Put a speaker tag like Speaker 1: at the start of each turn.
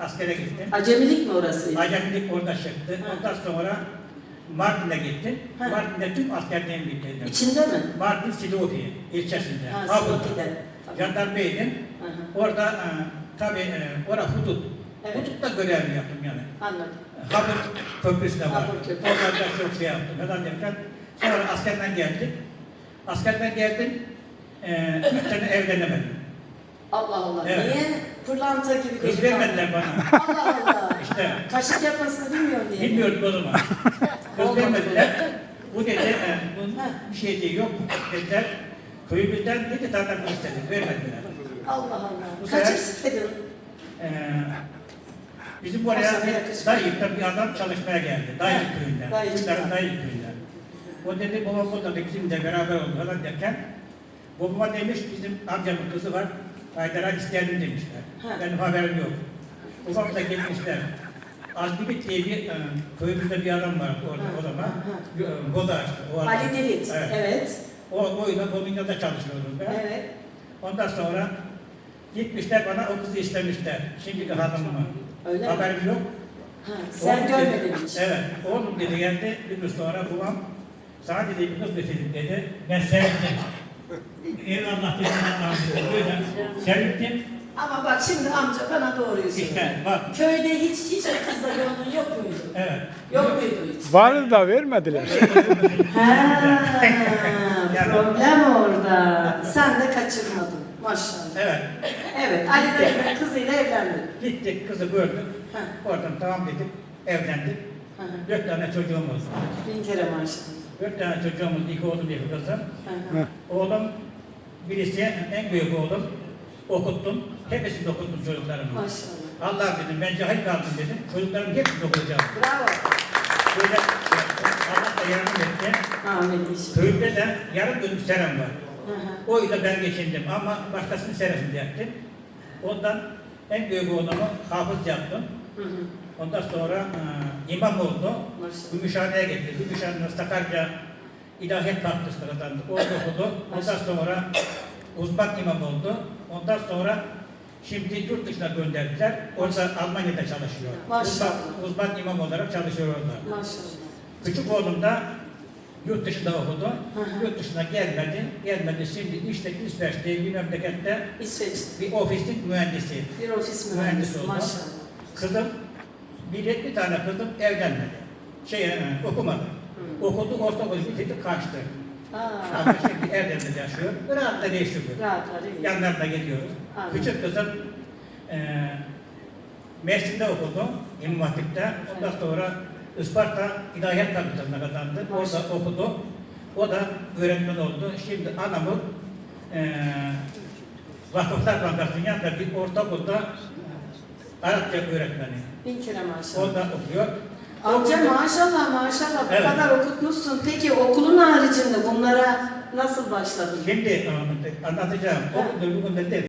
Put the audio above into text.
Speaker 1: Askere gittim.
Speaker 2: Acemilik mi orası?
Speaker 1: Acemilik orada çıktı. Ondan sonra Mardin'e gittim.
Speaker 2: Ha.
Speaker 1: Mardin'de tüm askerliğimi bitirdim.
Speaker 2: İçinde mi?
Speaker 1: Mardin Silivri ilçesinde.
Speaker 2: Ha, Silopi'de.
Speaker 1: Jandarmaydım. Orada tabii orada hudut.
Speaker 2: Evet.
Speaker 1: Hudutta görev yaptım yani.
Speaker 2: Anladım.
Speaker 1: Habur Köprüsü de var.
Speaker 2: Habur Köprüsü.
Speaker 1: Orada çok şey yaptım. Neden derken sonra askerden geldim. Askerden geldim. 3 sene evlenemedim.
Speaker 2: Allah Allah.
Speaker 1: Evet.
Speaker 2: Niye? Pırlanta gibi
Speaker 1: Kız
Speaker 2: gözüküyor.
Speaker 1: vermediler bana.
Speaker 2: Allah Allah.
Speaker 1: İşte.
Speaker 2: Kaşık yapmasını bilmiyor diye.
Speaker 1: Bilmiyordum o zaman. Kız
Speaker 2: Olmadı
Speaker 1: vermediler. Bu dedi, bunun bir şey değil, yok dediler. Köyümüzden 7 tane kız istedik, vermediler.
Speaker 2: Allah Allah.
Speaker 1: Bu
Speaker 2: Kaç
Speaker 1: sefer-
Speaker 2: istedin?
Speaker 1: Bizim oraya
Speaker 2: Aslında yakışıklı.
Speaker 1: Dayık'ta bir adam çalışmaya geldi. Dayık köyünden.
Speaker 2: Dayık'ta.
Speaker 1: Bunların Dayık köyünden. O dedi, babam burada da bizimle beraber oldu falan derken, babama demiş, bizim amcamın kızı var, Haydar'a isteyelim demişler.
Speaker 2: Ha.
Speaker 1: Benim haberim yok. Babam da gelmişler. Aldibit diye bir köyümüzde bir adam vardı orada o zaman. Boda açtı. O adam.
Speaker 2: Ali Divit.
Speaker 1: Evet.
Speaker 2: Evet.
Speaker 1: Oyla Bominya'da çalışıyordum ben.
Speaker 2: Evet.
Speaker 1: Ondan sonra gitmişler bana o kızı istemişler. Şimdiki hanımımı.
Speaker 2: Öyle mi?
Speaker 1: Haberim yok.
Speaker 2: Ha, sen
Speaker 1: Oğlum
Speaker 2: görmedin
Speaker 1: dedi,
Speaker 2: hiç.
Speaker 1: Evet. Oğlum dedi geldi. Bir gün sonra babam sana dedi bir kız getirdim dedi. Ben sevindim. Eyvallah dedim Allah'ım. Böyle sevindim.
Speaker 2: Ama bak şimdi amca bana doğruyu söyle.
Speaker 1: İşte bak.
Speaker 2: Köyde hiç o kızla yolun yok muydu?
Speaker 1: Evet.
Speaker 2: Yok muydu hiç?
Speaker 3: Vardı da vermediler.
Speaker 2: Problem orada. Sen de kaçırmadın. Maşallah.
Speaker 1: Evet.
Speaker 2: Evet, Ali Dayı'nın kızıyla evlendin.
Speaker 1: Gittik kızı gördük.
Speaker 2: Ha.
Speaker 1: Oradan tamam dedik. Evlendik.
Speaker 2: Hı hı.
Speaker 1: 4 tane çocuğumuz.
Speaker 2: Bin kere maşallah.
Speaker 1: 4 tane çocuğumuz, 2 oğlum, 2 kızım.
Speaker 2: Hı hı.
Speaker 1: Oğlum, birisi en büyük oğlum. Okuttum. Hepsini okuttum çocuklarımı.
Speaker 2: Maşallah.
Speaker 1: Allah dedim, ben cahil kaldım dedim. Çocuklarımı hepsini okutacağım.
Speaker 2: Bravo.
Speaker 1: Böyle Allah da yardım etti.
Speaker 2: Amin inşallah.
Speaker 1: Köyümde de yarım dönüm serem var.
Speaker 2: Hı hı.
Speaker 1: O yüzden ben geçindim ama başkasının seresini yaptım. Ondan en büyük oğlumu hafız yaptım.
Speaker 2: Hı hı.
Speaker 1: Ondan sonra imam oldu.
Speaker 2: Maşallah.
Speaker 1: Gümüşhane'ye gitti. Gümüşhane'de Sakarya İlahiyat Fakültesi kazandı. Orada okudu. Ondan sonra uzman imam oldu. Ondan sonra şimdi yurt dışına gönderdiler. Orada Almanya'da çalışıyor.
Speaker 2: Maşallah.
Speaker 1: Uzman imam olarak çalışıyor orada.
Speaker 2: Maşallah.
Speaker 1: Küçük oğlum da yurt dışında okudu.
Speaker 2: Hı hı.
Speaker 1: Yurt dışına gelmedi. Gelmedi. Şimdi işte İsveç diye bir memlekette
Speaker 2: İsveç'te.
Speaker 1: bir ofisin mühendisi.
Speaker 2: Bir ofis
Speaker 1: Mühendis
Speaker 2: mühendisi.
Speaker 1: oldu.
Speaker 2: Maşallah.
Speaker 1: Kızım, bir tane kızım evlenmedi. Okumadı. Okudu, ortaokulu bitirdi, kaçtı.
Speaker 2: Aa,
Speaker 1: Ama şimdi evlenmedi yaşıyor. Rahat da değişiyor.
Speaker 2: rahatlar iyi.
Speaker 1: Yanlarına geliyoruz.
Speaker 2: Anladım.
Speaker 1: Küçük kızım Mersin'de okudu, İmam Hatip'te. Ondan sonra Isparta İlahiyat Fakültesi'ne kazandı. Orada okudu. O da öğretmen oldu. Şimdi anamı Vakıflar Bankası'nın yanında bir ortaokulda Arapça öğretmeni.
Speaker 2: Bin kere maşallah.
Speaker 1: Orada okuyor.
Speaker 2: Amca maşallah maşallah bu
Speaker 1: Evet.
Speaker 2: kadar okutmuşsun. Peki okulun haricinde bunlara nasıl başladın?
Speaker 1: Şimdi anlatacağım. O bugün de